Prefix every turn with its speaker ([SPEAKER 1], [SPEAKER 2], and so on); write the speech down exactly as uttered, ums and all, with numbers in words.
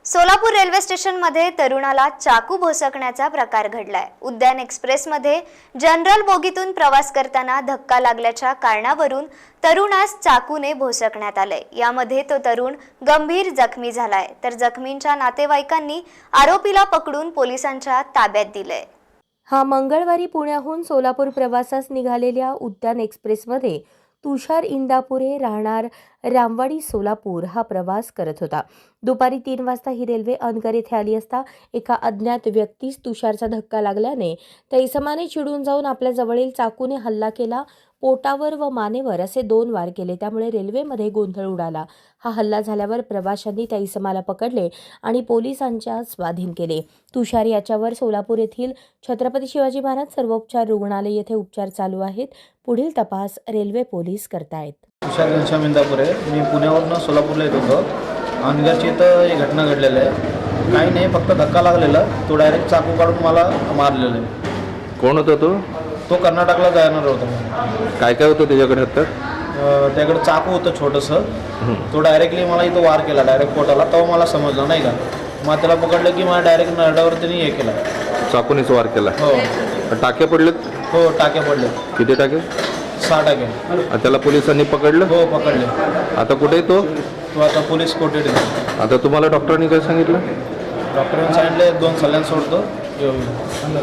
[SPEAKER 1] Solapur railway स्टेशनमध्ये तरुणाला चाकू भोसकण्याचा प्रकार घडलाय। उद्यान एक्सप्रेसमध्ये जनरल बोगीतून प्रवास करताना धक्का लागल्याच्या कारणावरून तरुणास चाकूने भोसकण्यात आले। यामध्ये तो तरुण गंभीर जखमी झालाय, तर जखमींच्या नातेवाईकांनी आरोपीला पकडून पोलिसांच्या ताब्यात दिलंय।
[SPEAKER 2] हा मंगळवारी पुण्याहून सोलापूर प्रवासास निघालेल्या उद्यान एक्सप्रेसमध्ये तुषार इंदापुरे राहणार रामवाडी सोलापूर हा प्रवास करत होता। दुपारी तीन वाजता ही रेल्वे अनगर येथे आली असता एका अज्ञात व्यक्तीस तुषारचा धक्का लागल्याने त्या इसमाने चिडून जाऊन आपल्या जवळील चाकूने हल्ला केला। पोटावर व मानेवर असे दोन वार केले, त्यामुळे रेल्वेमध्ये गोंधळ उडाला। हा हल्ला झाल्यावर प्रवाशांनी त्या इसमाला पकडले आणि पोलिसांच्या स्वाधीन केले। तुषार याच्यावर सोलापूर येथील छत्रपती शिवाजी महाराज सर्वोपचार रुग्णालय येथे उपचार चालू आहेत। पुढील तपास रेल्वे पोलीस करतायत।
[SPEAKER 3] तुषार घनश्याम इंदापुरे, मी पुण्यावरून सोलापूरला येत होतो। अनगरची इथं ही घटना घडलेली आहे। काही नाही, फक्त धक्का लागलेला, तो डायरेक्ट चाकू काढून मला मारलेलं आहे।
[SPEAKER 4] कोण होता तो?
[SPEAKER 3] तो कर्नाटकला जाणार होता।
[SPEAKER 4] काय काय होतं त्याच्याकडे हातात?
[SPEAKER 3] त्याकडे चाकू होतं छोटंसं। तो डायरेक्टली मला इथं वार केला, डायरेक्ट पोटाला। तेव्हा मला समजलं नाही का, मग त्याला पकडलं की मला डायरेक्ट नरड्यावर त्यांनी हे केलं,
[SPEAKER 4] चाकूनेच वार केला।
[SPEAKER 3] हो।
[SPEAKER 4] टाके पडलेत?
[SPEAKER 3] हो, टाके पडले।
[SPEAKER 4] किती टाके?
[SPEAKER 3] सहा टाके।
[SPEAKER 4] त्याला पोलिसांनी पकडलं?
[SPEAKER 3] हो, पकडले।
[SPEAKER 4] आता कुठे तो?
[SPEAKER 3] तो आता पोलीस कोठडीत आहे।
[SPEAKER 4] आता तुम्हाला डॉक्टरांनी काय सांगितलं?
[SPEAKER 3] डॉक्टरांनी सांगितले दोन सल्ल्यान सोडतो.